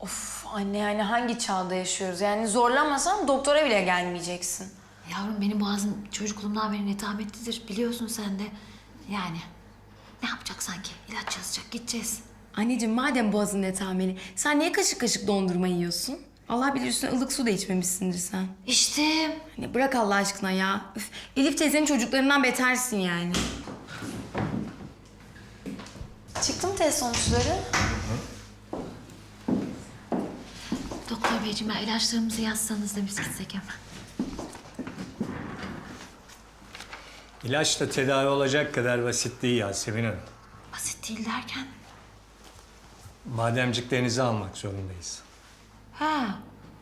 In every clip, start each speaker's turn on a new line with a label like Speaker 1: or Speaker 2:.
Speaker 1: Of anne, yani hangi çağda yaşıyoruz? Yani zorlamasan doktora bile gelmeyeceksin.
Speaker 2: Yavrum benim boğazım çocukluğumdan beri netametlidir. Biliyorsun sen de. Yani ne yapacak sanki? İlaç yazacak, gideceğiz.
Speaker 3: Anneciğim madem boğazın netameli, sen niye kaşık kaşık dondurma yiyorsun? Allah bilir üstüne ılık su da içmemişsindir sen.
Speaker 2: İşte.
Speaker 3: Hani bırak Allah aşkına ya. Üf, Elif teyzenin çocuklarından betersin yani.
Speaker 1: Çıktı mı test sonuçları?
Speaker 2: Doktor beyciğim ya ilaçlarımızı yazsanız da biz gitsek hemen.
Speaker 4: İlaçla tedavi olacak kadar basit değil Yasemin Hanım.
Speaker 2: Basit değil derken.
Speaker 4: Bademciklerinizi almak zorundayız.
Speaker 2: Ha.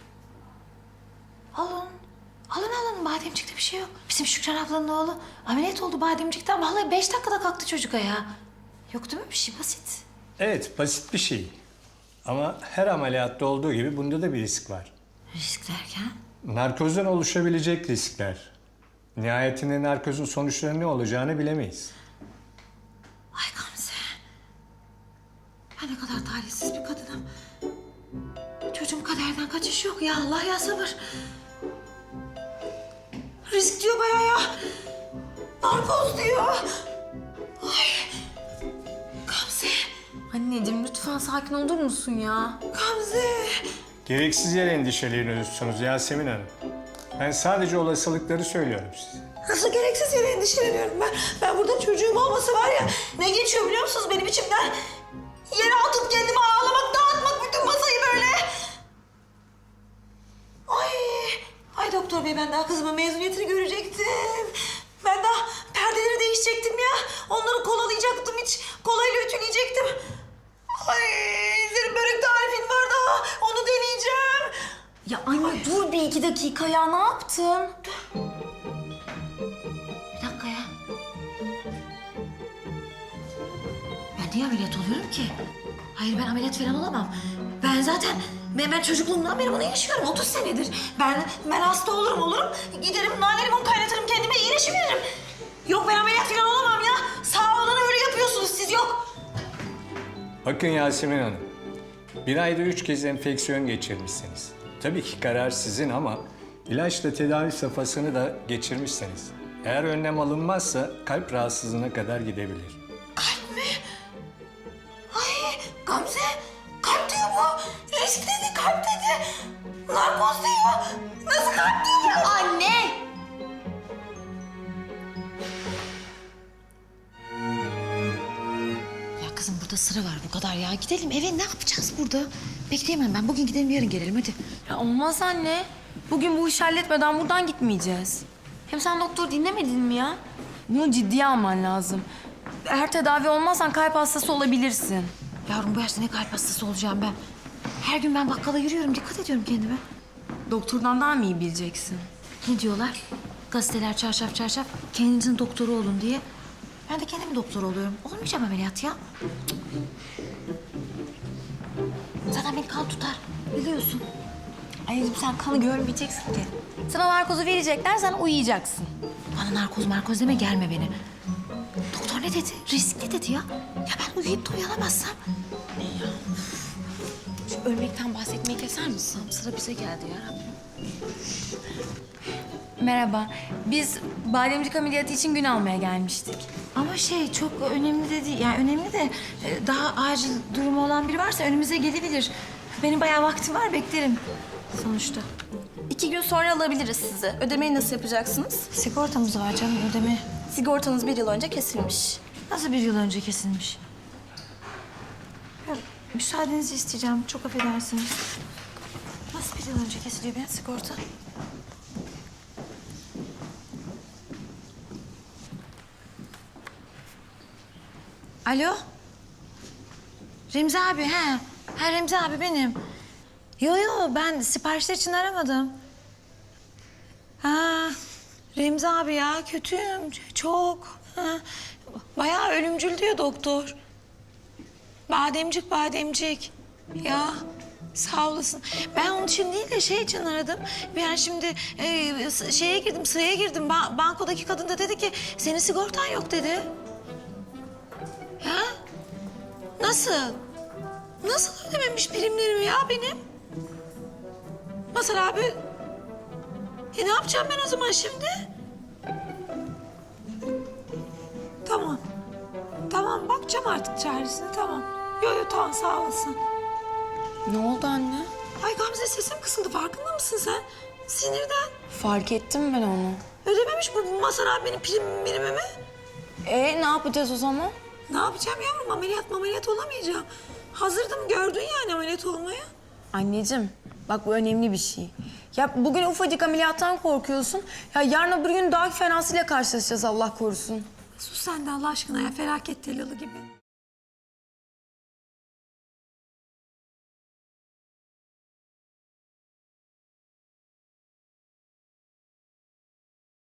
Speaker 2: Alın. Alın bademcikte bir şey yok. Bizim Şükran ablanın oğlu ameliyat oldu bademcikten. Vallahi 5 dakikada kalktı çocuk ayağa. Yok değil mi bir şey basit.
Speaker 4: Evet, basit bir şey. Ama her ameliyatta olduğu gibi bunda da bir risk var.
Speaker 2: Risk derken?
Speaker 4: Narkozdan oluşabilecek riskler. Nihayetinde narkozun sonuçları ne olacağını bilemeyiz.
Speaker 2: Ay Gamze. Ben ne kadar talihsiz bir kadınım. Çocuğum kaderden kaçış yok ya Allah ya sabır. Risk diyor bayağı ya. Narkoz diyor. Ay. Gamze.
Speaker 1: Anneciğim lütfen sakin olur musun ya?
Speaker 2: Gamze.
Speaker 4: Gereksiz yere endişeleniyorsunuz Yasemin Hanım. Ben sadece olasılıkları söylüyorum size.
Speaker 5: Nasıl gereksiz yere endişeleniyorum ben. Ben burada çocuğum olmasa var ya ne geçiyor biliyor musunuz benim içimden? Yere atıp kendimi ağlamak, dağıtmak bütün masayı böyle. Ay, ay doktor bey ben daha kızımın mezuniyetini görecektim. Ben daha perdeleri değişecektim ya. Onları kolalayacaktım hiç. Kolayla ütüleyecektim. Ay senin börek tarifin var daha. Onu deneyeceğim.
Speaker 1: Ya anne dur bir 2 dakika ya, ne yaptın?
Speaker 2: Bir dakika ya. Ben niye ameliyat oluyorum ki? Hayır ben ameliyat falan olamam. Ben zaten ben çocukluğumdan beri bunu yaşıyorum 30 senedir.
Speaker 5: Ben hasta olurum. Giderim nane limon kaynatırım kendime iyileşiveririm. Yok ben ameliyat falan olamam ya. Sağ olun öyle yapıyorsunuz siz yok.
Speaker 4: Bakın Yasemin Hanım, bir ayda 3 kez enfeksiyon geçirmişsiniz. Tabii ki karar sizin ama ilaçla tedavi safhasını da geçirmişsiniz. Eğer önlem alınmazsa kalp rahatsızlığına kadar gidebilir.
Speaker 5: Kalp mi? Ay Gamze kalp diyor bu. Risk dedi kalp dedi. Narkoz diyor. Nasıl kalp diyor ya?
Speaker 2: Anne! Ya kızım burada sıra var bu kadar ya. Gidelim eve ne yapacağız burada? Bekleyemem ben. Bugün gidelim yarın gelelim hadi.
Speaker 1: Ya olmaz anne. Bugün bu işi halletmeden buradan gitmeyeceğiz. Hem sen doktor dinlemedin mi ya? Bunu ciddiye alman lazım. Eğer tedavi olmazsan kalp hastası olabilirsin.
Speaker 2: Yavrum bu yaşta ne kalp hastası olacağım ben. Her gün ben bakkala yürüyorum. Dikkat ediyorum kendime.
Speaker 1: Doktordan daha mı iyi bileceksin?
Speaker 2: Ne diyorlar? Gazeteler çarşaf çarşaf kendinizin doktoru olun diye. Ben de kendim doktor oluyorum. Olmayacağım ameliyat ya. Zaten beni kan tutar. Biliyorsun.
Speaker 1: Anneciğim sen kanı görmeyeceksin ki. Sana narkozu verecekler, sen uyuyacaksın.
Speaker 2: Bana narkoz deme gelme beni. Doktor ne dedi? Riskli dedi ya. Ya ben uyuyup da uyanamazsam.
Speaker 1: Şu ölmekten bahsetmeyi keser misin?
Speaker 2: Sıra bize geldi ya Rabbim.
Speaker 1: Merhaba. Biz bademcik ameliyatı için gün almaya gelmiştik.
Speaker 2: Ama şey çok önemli de değil. Yani önemli de daha acil durumu olan biri varsa önümüze gelebilir. Benim bayağı vaktim var beklerim sonuçta.
Speaker 6: 2 gün sonra alabiliriz sizi. Ödemeyi nasıl yapacaksınız?
Speaker 2: Sigortamız var canım ödeme.
Speaker 6: Sigortanız 1 yıl önce kesilmiş.
Speaker 2: Nasıl 1 yıl önce kesilmiş? Ya, müsaadenizi isteyeceğim. Çok affedersiniz. Nasıl 1 yıl önce kesiliyor benim sigorta? Alo? Remzi abi, he. Ha Remzi abi benim. Yo ben siparişler için aramadım. Ha Remzi abi ya kötüyüm çok. Ha, bayağı ölümcül diyor doktor. Bademcik. Ya sağ olasın. Ben onun için değil de şey için aradım. Ben şimdi şeye girdim, sıraya girdim. Bankodaki kadın da dedi ki senin sigortan yok dedi. Ya nasıl? Nasıl ödememiş primlerimi ya benim? Mazhar abi. Ne yapacağım ben o zaman şimdi? Tamam. Tamam bakacağım artık çaresine tamam. Yo tamam sağ olasın.
Speaker 1: Ne oldu anne?
Speaker 2: Ay Gamze sesim kısıldı farkında mısın sen? Sinirden.
Speaker 1: Fark ettim ben onu.
Speaker 2: Ödememiş bu Mazhar abi benim primimi.
Speaker 1: Ne yapacağız o zaman?
Speaker 2: Ne yapacağım yavrum ameliyat olamayacağım. Hazırdım gördün yani ameliyat olmaya.
Speaker 1: Anneciğim bak bu önemli bir şey. Ya bugün ufacık ameliyattan korkuyorsun. Ya yarın öbür gün daha fenasıyla karşılaşacağız Allah korusun.
Speaker 2: Sus sen de Allah aşkına ya felaket telalı gibi.